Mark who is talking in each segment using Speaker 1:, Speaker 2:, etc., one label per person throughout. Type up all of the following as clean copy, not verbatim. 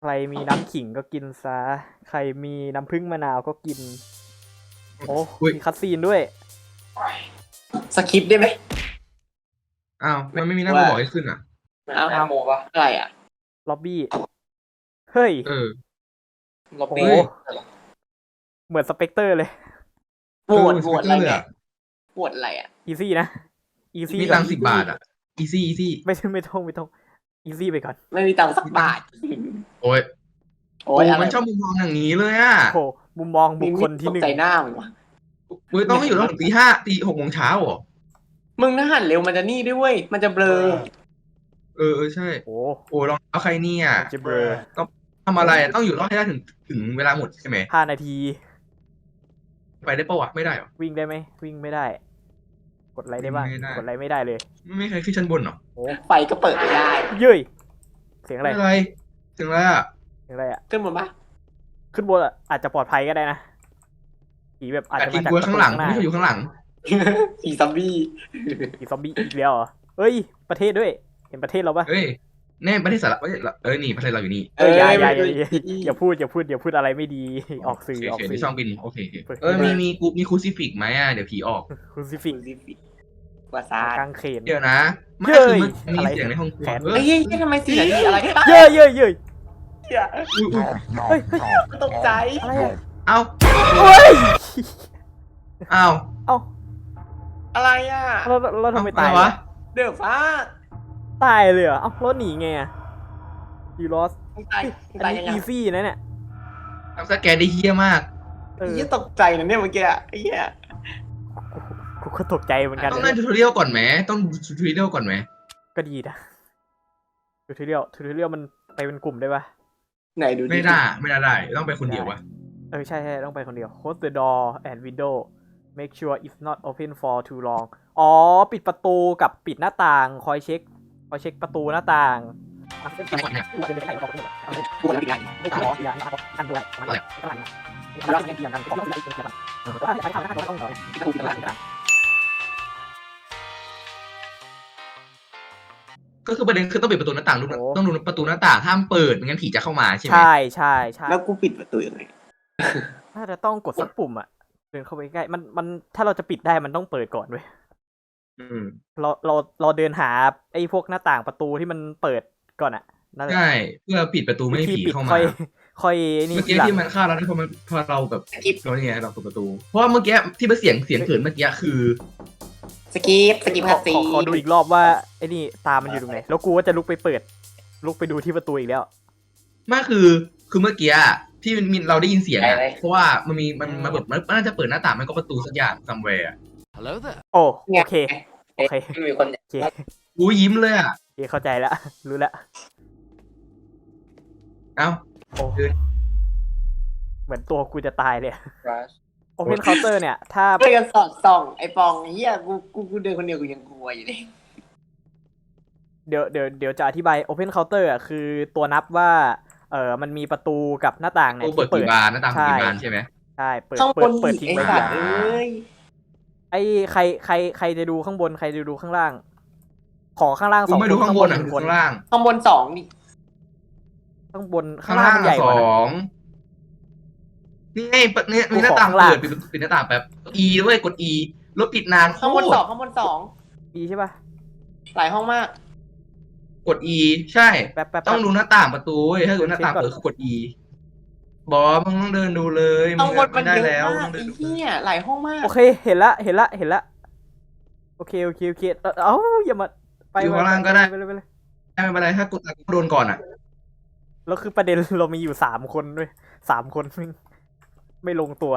Speaker 1: ใครมีน้ำขิงก็กินซะใครมีน้ำผึ้งมะนาวก็กินโอ้
Speaker 2: อุ๊ย
Speaker 1: มีคัตซีนด้วย
Speaker 3: สคริปต์ได้ไหม
Speaker 2: อ้าวมันไม่มีหน้าบอกให้ขึ้นอ่ะ
Speaker 3: เอาโมปะอะไรอ่ะ
Speaker 1: ล็อบบี้เฮ้ย
Speaker 2: เออ
Speaker 3: ล็อบ
Speaker 1: โอ้
Speaker 3: บี้
Speaker 1: โหเหมือนสเปกเตอร์เลย
Speaker 3: โหวตอะไร
Speaker 2: เลย
Speaker 3: เนี่ย
Speaker 2: อ่ะ
Speaker 3: โหวตอะไรอ่ะ
Speaker 1: อีซี่นะอีซี่
Speaker 2: มีตังค์10 บาทอ่ะ อีซี่อีซี่
Speaker 1: ไม่ต้องอีซี่ไปก่อน
Speaker 3: ไม่มีตังค์สักบาท
Speaker 2: โอ้ย
Speaker 3: โอ้
Speaker 2: โอ้
Speaker 3: ยอะไร
Speaker 2: มันชอบมุมมองอย่างนี้เลยอ่ะ
Speaker 1: โหมุมมองบุคคลที่
Speaker 3: ต
Speaker 1: ห
Speaker 3: ก
Speaker 1: นึ่ง
Speaker 3: ใจหน้ามึงวะ
Speaker 2: มึงต้องไม่อยู่ตั้งถึงตี 5 6 โมงเช้าเหรอ
Speaker 3: มึงถ้าหันเร็วมันจะนี่ด้วยเวยมันจะเบลอ
Speaker 2: เออใช่
Speaker 1: โอ้
Speaker 2: โอ้ลองเอาใครเนี่ย
Speaker 1: มันจะเบลอ
Speaker 2: ทำอะไรอะต้องอยู่รอดให้ได้ถึงเวลาหมดใช่ไหม
Speaker 1: 5 นาที
Speaker 2: ไปได้ปะวะไม่ได้หรอ
Speaker 1: วิ่งได้ไหมวิ่งไม่ได้ กดไลค์ได้บ้าง
Speaker 2: วิ่งไม่ได้
Speaker 1: กดไลค์ไม่ได้เลย
Speaker 2: ไม่เคยขึ้นชั้นบนหรอ
Speaker 1: โอ้
Speaker 3: ไฟก็เปิดไม่ได้
Speaker 1: เย้ยเสียงอะไร
Speaker 2: ไม่อะไรถึงแล้วอ่ะ
Speaker 1: เสียงอะไรอ่ะ
Speaker 3: ขึ้นบนปะ
Speaker 1: ขึ้นบนอะอาจจะปลอดภัยก็ได้นะผีแบบอาจ
Speaker 2: แต่
Speaker 1: จะ
Speaker 2: กิ
Speaker 1: มาน จาก
Speaker 2: กล้วยข้างหลัง
Speaker 1: ประตู
Speaker 2: ไม่เคยอยู่ข้างหลัง
Speaker 3: ผีซอมบี้
Speaker 1: ผีซอมบี้อีกแล้วเหรอเอ้ยประเทศด้วย เห็นประเทศเราปะ
Speaker 2: เฮ้ยแน่ประเทศสาระนี่ประเทศเราอยู่นี่
Speaker 1: อย่าพูดอะไรไม่ดีออกสื่อออก
Speaker 2: โอเค
Speaker 1: สื่อ
Speaker 2: ช่องบินโอเคมีคูซิฟิกไหมอ่ะเดี๋ยวผีออก
Speaker 1: คุณซิฟิก
Speaker 3: วาซาด
Speaker 1: กางเขน
Speaker 2: เดี๋ยวนะไม่
Speaker 1: เย้
Speaker 2: คื
Speaker 1: ย
Speaker 2: อมันมี
Speaker 1: อะไร
Speaker 2: เสียงในห้องครัว
Speaker 1: แขน
Speaker 3: เฮ้ยทำไมเสียงดีอะไร
Speaker 1: เย้ย
Speaker 3: เหี้ย
Speaker 2: อุ๊ย
Speaker 1: เฮ้ย
Speaker 3: ตกใจ
Speaker 1: อะไรอะ
Speaker 2: เอ้า
Speaker 1: เฮ้ย
Speaker 2: เอ้า
Speaker 1: เอ้า
Speaker 3: อะไรอ่ะ
Speaker 1: เราทำไมตายวะ
Speaker 3: เดือดฟ้า
Speaker 1: ตายเลยเหรอเอ้าแล้วหนีไงอะยูลอส
Speaker 3: มึงตาย
Speaker 1: อัน
Speaker 3: ยัง
Speaker 1: นี้
Speaker 3: ไง
Speaker 1: อีซี่นะเนี่ย
Speaker 2: ทำสแกนได้เฮี้ยมาก
Speaker 1: เออ
Speaker 3: ยี่ตกใจนะเนี่ยเมื่อกี้ไอ้เหี้ย
Speaker 1: กูก็ตกใจเหมือนกัน
Speaker 2: ต้องเล่นทูทอเรียลก่อนไหมต้องดูทูทอเรียลก่อนไหม
Speaker 1: ก็ดีนะทูทอเรียลมันไปเป็นกลุ่มได้ปะ
Speaker 3: ไหนดูดิ
Speaker 2: ไม่ได้ต้องไปคนเดียววะ
Speaker 1: ใช่ต้องไปคนเดียว close the door and window make sure it's not open for too long อ๋อปิดประตูกับปิดหน้าต่างคอยเช็คประตูหน้าต่าง
Speaker 3: กูแล้วยังไง
Speaker 2: ก็คือประเด็นคือต้องปิดประตูหน้าต่างต้องดูประตูหน้าต่างห้ามเปิดไม่งั้นผีจะเข้ามาใช่ไหม
Speaker 1: ใช่
Speaker 3: แล้วกูปิดประตูยังไง
Speaker 1: น่าจะต้องกดสักปุ่มอ่ะเดินเข้าไปใกล้มันถ้าเราจะปิดได้มันต้องเปิดก่อนเว้ย
Speaker 2: อืม
Speaker 1: เราเดินหาไอ้พวกหน้าต่างประตูที่มันเปิดก่อนอ่ะนั่นแหละ
Speaker 2: ใช่เพื่อปิดประตูไม่ให้
Speaker 1: ที่
Speaker 2: ผี
Speaker 1: ปิด
Speaker 2: เข้ามา
Speaker 1: ค่อยนี่
Speaker 2: เมื่อ
Speaker 1: ที
Speaker 2: กี้
Speaker 1: หลัง
Speaker 2: ที่มันฆ่าเราได้พอเราแบบเราเนี่ยเราเปิดประตู เพราะว่าเมื่อกี้ที่มันเสียงเขินเมื่อกี้คือ
Speaker 3: สกีปคัสซี
Speaker 1: ขอดูอีกรอบว่าไอ้นี่ตามันอยู่ตรงไหนแล้วกูก็จะลุกไปดูที่ประตูอีกแล้ว
Speaker 2: ไม่คือเมื่อกี้ที่มันเราได้ยินเสียงอะเพราะว่ามันมาแบบมันน่าจะเปิดหน้าต่างมันก็ประตูสักอย่างซัมแวร์
Speaker 1: โอ้โอเค
Speaker 3: มีคน
Speaker 1: โอเค
Speaker 2: กูยิ้มเลยอ่ะ
Speaker 1: โอเคเข้าใจแล้วรู้แล้ว
Speaker 2: เอ้า
Speaker 1: โอ้
Speaker 2: เดิน
Speaker 1: เหมือนตัวกูจะตายเลย Open Counter เนี่ยถ้า
Speaker 3: เพื่อนสอดส่องไอ้ปองเฮียกูเดินคนเดียวกูยังกลัวอยู่เลย
Speaker 1: เดี๋ยวจะอธิบาย Open Counter อ่ะคือตัวนับว่ามันมีประตูกับหน้าต่างเนี่ย
Speaker 2: เปิดกี่บานหน้าต่างกี่บานใช่ไหม
Speaker 1: ใช่เปิด
Speaker 3: ข้างบน
Speaker 1: เปิด
Speaker 3: อีก
Speaker 1: ทิ้ง
Speaker 3: ไอ้
Speaker 1: ไว้
Speaker 3: สั
Speaker 1: อ
Speaker 3: ต
Speaker 1: ย่าง
Speaker 3: ว์เอ้ย
Speaker 1: ไอ้ใครจะดูข้างบนใครจะดูข้างล่าง ขอข้างล่าง
Speaker 2: กู
Speaker 1: 2
Speaker 2: ไม่ดูข้างบนอ่ะ
Speaker 1: 1
Speaker 2: ดู
Speaker 1: คน
Speaker 2: ข้างล่าง
Speaker 3: ข้างบนสองนี่
Speaker 1: ข้างบนข้างล่างมันใหญ่ก
Speaker 2: ส
Speaker 1: ว่านะ
Speaker 2: องนี่ไงเนี่ยมีหน้าต่าง
Speaker 1: ข้างล่าง
Speaker 2: เปิดปิดหน้าต่างแบบ E ด้วยกด E แล้วปิดนานโค
Speaker 3: ข้างบน
Speaker 2: ต
Speaker 3: ส
Speaker 2: ร
Speaker 3: องข้างบนสอง
Speaker 1: ดีใช่ป่ะ
Speaker 3: หลายห้องมาก
Speaker 2: กด E ใช่
Speaker 1: แป๊บ
Speaker 2: ต้องดูหน้าต่างประตูเว้ยถ้าดูหน้าต่างเปิดคือกด E บอสมึงต้องเดินดูเลยมึ
Speaker 3: ข้าง งบนมัน
Speaker 2: ได้
Speaker 3: เยอะ
Speaker 2: แล้ว
Speaker 3: มาก
Speaker 2: ต้องเดิ
Speaker 3: ไอ้
Speaker 2: นดู
Speaker 3: เหี้ยหลายห้องมาก
Speaker 1: โอเคเห็นละโอเคเอ้าอย่ามาไป
Speaker 2: อยู่ข้างล่างก็ได้
Speaker 1: ไปเลย
Speaker 2: ไม่เป็นไรถ้ากดโดนก่อนอ่ะ
Speaker 1: แล้วคือประเด็นเรามีอยู่3 คนด้วย3 คนไม่ลงตัว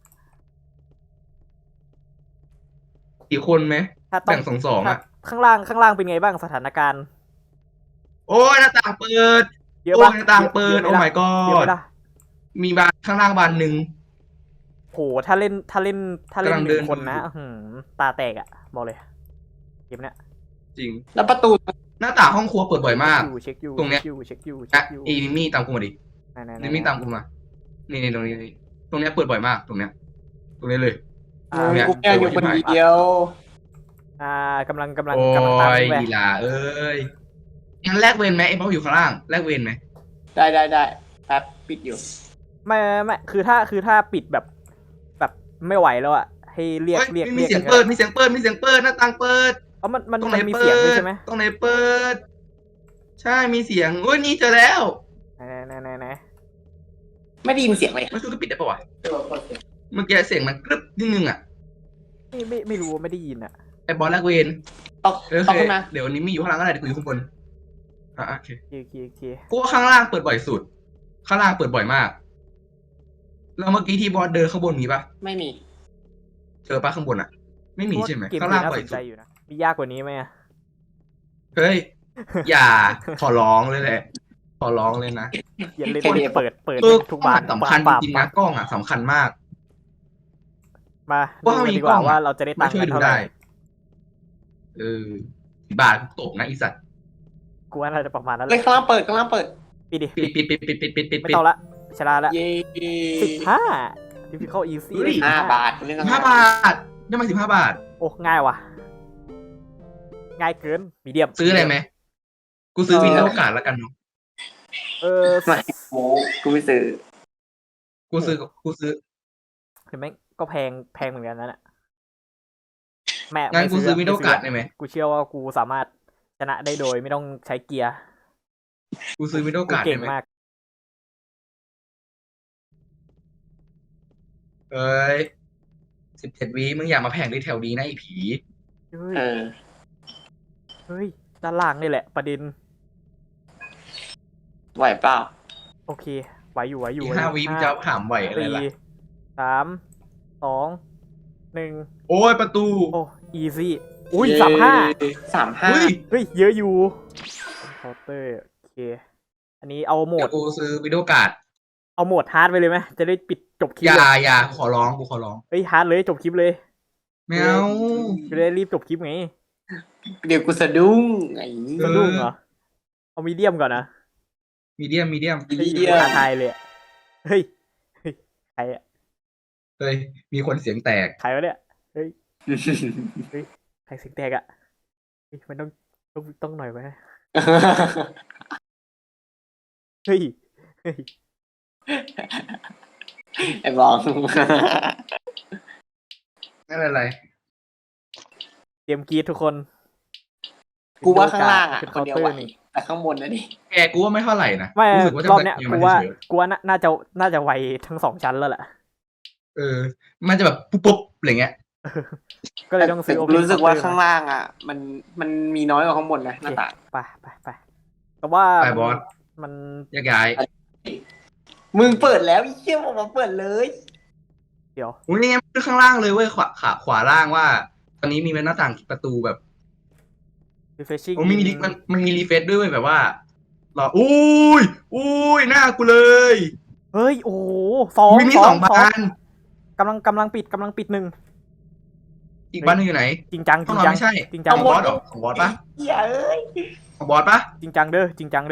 Speaker 2: กี่คนไหม
Speaker 1: ถ้าต้อง
Speaker 2: แบ่งสองอ่ะ
Speaker 1: ข้างล่างเป็นไงบ้างสถานการณ์
Speaker 2: โอ้ยหน้าต่างเปิด
Speaker 1: เยอะ
Speaker 2: โอ้
Speaker 1: ปะ
Speaker 2: ยหน้าต่างเปิด
Speaker 1: เย
Speaker 2: โอ้
Speaker 1: อะไหม
Speaker 2: my
Speaker 1: เยอะ
Speaker 2: god
Speaker 1: ไหมล่ะ
Speaker 2: มีบานข้างล่างบานหนึ่ง
Speaker 1: โหถ้าเล่น
Speaker 2: กำลัง
Speaker 1: ห
Speaker 2: เดิ
Speaker 1: นึ่
Speaker 2: น
Speaker 1: งคนนะ
Speaker 2: ดู
Speaker 1: ตาแตกอ่ะบอกเลยเกมเนี้ย
Speaker 2: จริง
Speaker 3: แล้วประตู
Speaker 2: หน้าต่างห้องครัวเปิดบ่อยมาก
Speaker 1: เช็คอยู่
Speaker 2: ตรงเนี้ย
Speaker 1: เช็คอยู่
Speaker 2: อ่ะอีนิมี่ตามกูมาดิ
Speaker 1: ไหน
Speaker 2: นิมี่ตามกูมานี่ตรงนี้ตรงเนี้ยเปิดบ่อยมากตรงเนี้ยเลย เนี่ย
Speaker 3: กูแค่อยู่คนเดียว
Speaker 1: กำลัง
Speaker 2: โอ้
Speaker 1: ตาม
Speaker 2: ย
Speaker 1: ไป
Speaker 2: อีหลาเอ้ยงั้นแลกเวรไหมไอ้บ๊อบอยู่ข้างล่างแลกเวรไหม
Speaker 3: ได้แป๊บปิดอยู่
Speaker 1: ไม่คือถ้าปิดแบบไม่ไหวแล้วอะให้เรียก
Speaker 2: เฮ้ย
Speaker 1: เรียก
Speaker 2: มี
Speaker 1: เรียก
Speaker 2: เสียง
Speaker 1: กัน
Speaker 2: เปิดมีเสียงเปิดมีเสียงเปิดหน้าต่างเปิด
Speaker 1: เอ้ามัน
Speaker 2: ตรงไหน
Speaker 1: มี
Speaker 2: เปิ
Speaker 1: เสียงด้วย
Speaker 2: ด
Speaker 1: ใช่ไหม
Speaker 2: ตรงไหนเปิด ใช่มีเสียงโอ้ยนี่เจอแล้ว
Speaker 1: ไหน
Speaker 3: ไม่ได้ยินเสียงเลย
Speaker 2: มันคือปิดได้ปะวะเมื่อกี้เสียงมันกรึบนิดนึงอ่ะ
Speaker 1: ไม่รู้ว่าไม่ได้ยินอะ
Speaker 2: ไอ้บอลแลกเวน
Speaker 3: ต้อง
Speaker 2: โอ
Speaker 3: ต้อง
Speaker 2: เค
Speaker 3: ขึ้นมา
Speaker 2: เดี๋ยววันนี้มีอยู่ข้างล่างก็ได้เดี๋ยวกูอยู่ข้างบนโอเค
Speaker 1: โอเค
Speaker 2: กูว่าข้างล่างเปิดบ่อยสุด ข้างล่างเปิดบ่อยมาก แล้วเมื่อกี้ที่บอสเดินข้างบนมีปะ
Speaker 3: ไม่มี
Speaker 2: เจอปะข้างบนอ่ะ ไม่มีใช่ไหม
Speaker 1: เกม
Speaker 2: ข้าง
Speaker 1: นี้
Speaker 2: ล่าง
Speaker 1: น่า
Speaker 2: บ่
Speaker 1: ส
Speaker 2: อย
Speaker 1: น
Speaker 2: สุ
Speaker 1: ใจ
Speaker 2: ด
Speaker 1: อยู่นะมียากกว่านี้ไหมอะ
Speaker 2: เฮ้ย อย่า ขอร้องเลยแหละ ขอร้องเลยนะ
Speaker 1: อย่าเล่น
Speaker 3: แค่นี้
Speaker 1: เปิด
Speaker 2: เออ
Speaker 1: ทุก
Speaker 2: กล้อง
Speaker 1: บาน
Speaker 2: อะสำคัญจ
Speaker 1: ปาบ
Speaker 2: ริงๆนะกล้องอ่ะสำคัญมาก
Speaker 1: มา
Speaker 2: ว่า
Speaker 1: ดู
Speaker 2: มี
Speaker 1: กันดีกว่า
Speaker 2: กล้องอะ
Speaker 1: ว่าเราจะได้ตั
Speaker 2: มาง
Speaker 1: ค์
Speaker 2: ช่วย
Speaker 1: กัน
Speaker 2: ดู
Speaker 1: เท่าไหร่
Speaker 2: ได้ เออบาทตกนะอีสัตว์
Speaker 1: กูว่าน่าจะประมาณนั้นแห
Speaker 3: เลย
Speaker 1: ละ
Speaker 3: ข้างล่างเปิด
Speaker 1: ปิดดิ
Speaker 2: ปิด
Speaker 1: ไม่ต้องละชนะละ
Speaker 3: เย้
Speaker 1: 15 difficult easy
Speaker 2: เฮ้ย
Speaker 3: 5 บาทเรื่อง
Speaker 2: 15 บาท ได้มา15 บาท
Speaker 1: โอ้ง่ายว่ะ ง่ายเกินมีเดียม
Speaker 2: ซื้ออะไรไหม กูซื้อวินโดว์การ์ดแล้วกันเนาะ
Speaker 3: ไม่โม้กูไม่ซื้อ
Speaker 2: กูซื้อ
Speaker 1: เห็นไหมก็แพงเหมือนกันนั่นแหละแม่
Speaker 2: งั้นกูซื้อวินโดว์
Speaker 1: ไม่
Speaker 2: การ์ดได้ไหม
Speaker 1: กูเชื่อว่ากูสามารถชนะได้โดยไม่ต้องใช้เกียร์
Speaker 2: กูซื้อวินโดว์
Speaker 1: กู
Speaker 2: การ์ด
Speaker 1: เก่
Speaker 2: ได้
Speaker 1: ง
Speaker 2: ไหม
Speaker 1: มาก
Speaker 2: เอ้ย17 วิมึงอย่ามาแผงในแถวนี้นะไอ้ผี
Speaker 1: เฮ้ย
Speaker 3: เออ
Speaker 1: เฮ้ยด้านล่างนี่แหละประเด็น
Speaker 3: ไหวเปล่า
Speaker 1: โอเคไหวอยู่
Speaker 2: อีก5 วิมึงจะถามไหวอะไรล่ะ
Speaker 1: 4 3 2 1
Speaker 2: โอ้ยประตู
Speaker 1: โอ้ easy อุ้ย
Speaker 3: เย้
Speaker 1: 35
Speaker 3: 35
Speaker 2: เฮ้ย
Speaker 1: เฮ้ยเยอะอยู่เคาน์เตอร์โอเค อันนี้เอาโหม
Speaker 2: เดี๋ย
Speaker 1: ด
Speaker 2: วกูซื้อวินโดว์การ์ด
Speaker 1: เอาโหมดฮาร์ดไปเลยไหมจะได้ปิดจบคลิป
Speaker 2: อย่า
Speaker 1: เลย
Speaker 2: อย่าขอร้องกูขอร้อง
Speaker 1: เฮ้ยฮาร์ดเลยจบคลิปเลย
Speaker 2: ไม่เอา
Speaker 1: จะได้รีบจบคลิปไง
Speaker 3: เดี๋ยวกูสะดุ้งไอ้
Speaker 1: สะดุ้งเหรอเอามีเดียมก่อนนะ
Speaker 2: มีเดียม
Speaker 1: เฮ้ยท้าทายเลยอะเฮ้ยใครอะ
Speaker 2: เฮ้ยมีคนเสียงแตก
Speaker 1: ใครวะเนี่ยเฮ้ยใครเสียงแตกอะเฮ้ยมันต้องหน่อยไหมเฮ้ย
Speaker 3: ไอ้บอง
Speaker 2: นั่นอะไร
Speaker 1: เตรียมกรีดทุกคน
Speaker 3: กูว่าข้างล่างอ่ะ
Speaker 1: เป็น
Speaker 3: ค
Speaker 1: เคาน น์
Speaker 3: เดียว
Speaker 1: เตอ
Speaker 3: ไหว
Speaker 1: ร์นี่
Speaker 3: แต่ข้างบนนะดิ
Speaker 2: แกกูว่าไม่เท่าไหร่นะ
Speaker 1: ไม่
Speaker 2: รู้สึกว่าจะ
Speaker 1: รอบเนี้ย
Speaker 2: ยัง
Speaker 1: กู
Speaker 2: ไม่
Speaker 1: ว่า
Speaker 2: เฉย
Speaker 1: กูว่าน่าจะไวทั้ง2 ชั้นแล้วแหละ
Speaker 2: เออ มันจะแบบปุ๊บอะไรเงี้ย
Speaker 1: ก็เลยต้องซื้อ
Speaker 3: แต่
Speaker 1: Open
Speaker 3: รู้สึกว่า
Speaker 1: Counter
Speaker 3: ข้างล่างอ่ะ มันมีน้อยกว่าข้างบนนะหน้าต่าง
Speaker 1: ไปแต่ว่า
Speaker 2: ไปบอส
Speaker 1: มัน
Speaker 2: แยกย้าย
Speaker 3: มึงเปิดแล้วไอ้เหี้ยบอกมาเปิดเลย
Speaker 1: เดี๋ยว
Speaker 2: อุ้ยนี่ไงขึ้นข้างล่างเลยเว้ยขวาล่างว่า ตอนนี้มีหน้าต่างประตูแบบ
Speaker 1: refreshing
Speaker 2: โอ้มันมีรีเฟซด้วยเว้ยแบบว่าหรออุ้ยหน้ากูเลย
Speaker 1: เฮ้ยโอ้โหสอง
Speaker 2: มี2 บาน
Speaker 1: กำลังปิด1
Speaker 2: อีกบ้านหนึงอยู่ไหน
Speaker 1: จริงจัง
Speaker 2: ห้องนอนไม่ใช่
Speaker 1: จริงจัง
Speaker 2: ของบอสเหรอของบอสปะ
Speaker 3: เหี้ยเอ้ย
Speaker 2: ของบอสปะ
Speaker 1: จริงจังเด้อ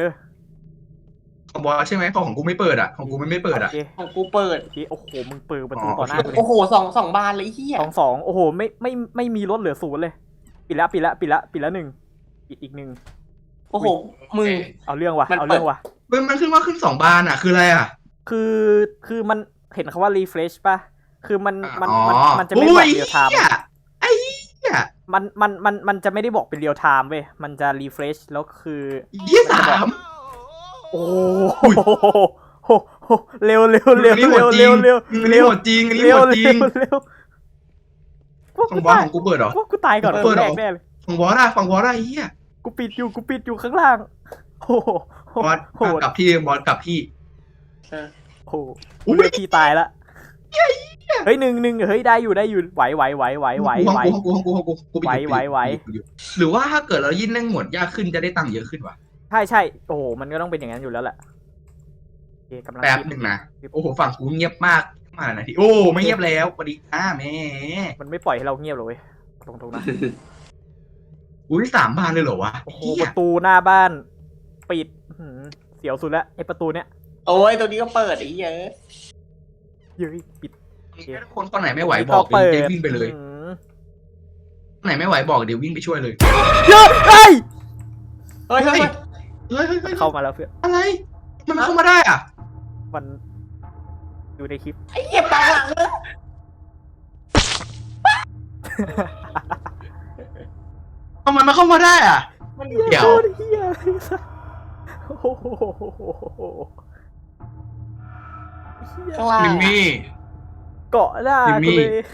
Speaker 2: ของบอสใช่ไหมของกูไม่เปิดอ่ะของกูไม่เปิดอ่ะ
Speaker 1: โอเค
Speaker 3: ของกูเปิด
Speaker 1: โอเคโอ้โหมึงเปิดประตู
Speaker 2: อ๋อ
Speaker 1: ต่อหน้ากูเลย
Speaker 3: โอ้โหสองบานเลยไอ้เหี้ย
Speaker 1: สองโอ้โหไม่มีลดเหลือ0เลยปิดแล้ว1ปิดอีก1
Speaker 3: โอ้โหมึง
Speaker 1: เอาเรื่องว่ะ
Speaker 3: มันเปิด
Speaker 1: เอาเรื่องว่ะ
Speaker 2: มันขึ้นว่าขึ้น2 บานอ่ะคืออะไรอ่ะ
Speaker 1: คือมันเห็นคำว่า refresh ป่ะคือมันจะไม่
Speaker 2: อุ้
Speaker 1: บอก
Speaker 2: ย
Speaker 1: เรียลไทม์
Speaker 2: เหี้ยไอ้เหี้ย
Speaker 1: มันจะไม่ได้บอกเป็นเรียลไทม์เว้ยมันจะ refresh แล้วคือ
Speaker 2: เหี้ย3
Speaker 1: โอ้
Speaker 2: อุ้ย
Speaker 1: โหเร็ว
Speaker 2: อันนี้โหดจริงอันนี้โหดจริงอันนี้โหดจริง
Speaker 1: เร็ว
Speaker 2: ของบอสของกูเปิดเหรอ
Speaker 1: ว่ากูตายก่อน
Speaker 2: เปิดเหร
Speaker 1: แร
Speaker 2: อ
Speaker 1: กแน่เลย
Speaker 2: ฝั่งบอสอะฝั่งบอสอะไอ้เหี้ย
Speaker 1: กูปิดอยู่ข้างล่างโอ้โห
Speaker 2: บอส
Speaker 1: โหด
Speaker 2: กลับที่บอสกลับที่
Speaker 1: โอ้โหพี่ตายละเฮ้ยหนึ่งเฮ้ยได้อยู่ไหว
Speaker 2: ของกู
Speaker 1: ไหว
Speaker 2: หรือว่าถ้าเกิดเรายิ่งเล่นหมวดยากขึ้นจะได้ตังค์เยอะขึ้นวะ
Speaker 1: ใช่โอ้โหมันก็ต้องเป็นอย่างนั้นอยู่แล้วแหละโอเคกำลัง
Speaker 2: แป๊บ
Speaker 1: คิด
Speaker 2: หนึ่งนะโอ้โหฝั่งกูเงียบมากมาหน่อยทีโอ้ไม่เงียบแล้วสวัสดีแม่
Speaker 1: มันไม่ปล่อยให้เราเงียบเลยเว้ยตรงๆนะ
Speaker 2: อุ้ย3 บานเลยเหรอวะ
Speaker 1: โอ้โหประตูหน้าบ้านปิดเสียวสุดแล้วไอ้ประตูเนี้ย
Speaker 3: โอ้ยตัวนี้ก็เปิดไอ้เหี้ย
Speaker 1: เฮ้ยปิด
Speaker 2: ถ้าคนไหนไม่ไหวบอกเดี๋ยววิ่งไปเลย
Speaker 1: อืม
Speaker 2: คนไหนไม่ไหวบอกเดี๋ยววิ่งไปช่วยเลย
Speaker 1: เยอะเฮ้ย
Speaker 3: เฮ้ย
Speaker 2: เฮ้ย
Speaker 1: เข้ามาแล้วเพื่อน
Speaker 2: อะไรมันเข้ามาได้อ่ะ
Speaker 1: มันอยู่ในคลิป
Speaker 3: ไอ้เหี้ยปองหลังเลย
Speaker 2: ทำไมมันเข้ามาได้อ่ะ เดี๋ยว
Speaker 1: โคตรเฮียเลยสัสโอ้โหเหี้ย
Speaker 3: ข้างล่าง
Speaker 2: มิมมี่
Speaker 1: เกาะหน้า
Speaker 2: จิมมี่
Speaker 1: กูเลย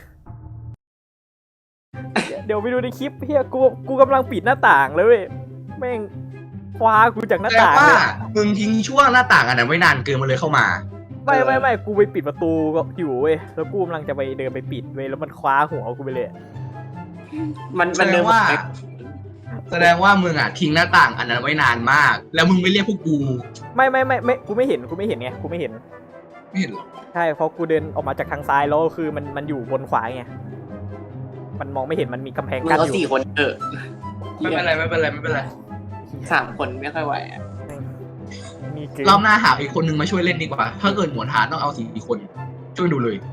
Speaker 1: เดี๋ยวไปดูในคลิปเฮียกูกำลังปิดหน้าต่างเลยเว้ยแม่งคว้ากูจากหน้า
Speaker 2: แปล
Speaker 1: ต่าง
Speaker 2: ว่า
Speaker 1: เลย
Speaker 2: มึงทิ้งช่วงหน้าต่างอันนั้นไว้นานเกินมันเลยเข้ามา
Speaker 1: ไม่กูไปปิดประตูก็อยู่เว้ยแล้วกูกำลังจะไปเดินไปปิดเว้ยแล้วมันคว้าหัวกูไปเลย
Speaker 3: มัน
Speaker 2: แสด
Speaker 3: เดิ
Speaker 2: ง
Speaker 3: น
Speaker 2: ว่า แสดงว่ามึงอ่ะทิ้งหน้าต่างอันนั้นไว้นานมาก แล้วมึงไม่เรียกพวกกู
Speaker 1: ไม่กูไม่เห็นไงกูไม่เห็น
Speaker 2: ไม่เห็นหรอ
Speaker 1: ใช่เพราะกูเดินออกมาจากทางซ้ายแล้วคือมันอยู่บนขวาไงมันมองไม่เห็นมันมีกำแพง
Speaker 3: มึง
Speaker 1: กั้น
Speaker 3: ก็
Speaker 1: อยู่
Speaker 3: สี่คน
Speaker 2: ไม่เป็นไรไม่เป็นไรไม่เป็นไร
Speaker 3: 3 คนไม่ค่อยไหวอะ
Speaker 1: มีเกิน
Speaker 2: รอบหน้าหาอีกคนนึงมาช่วยเล่นดีกว่า ถ้าเกิดหมวนหาต้องเอา4 คน ช่วยดูเลย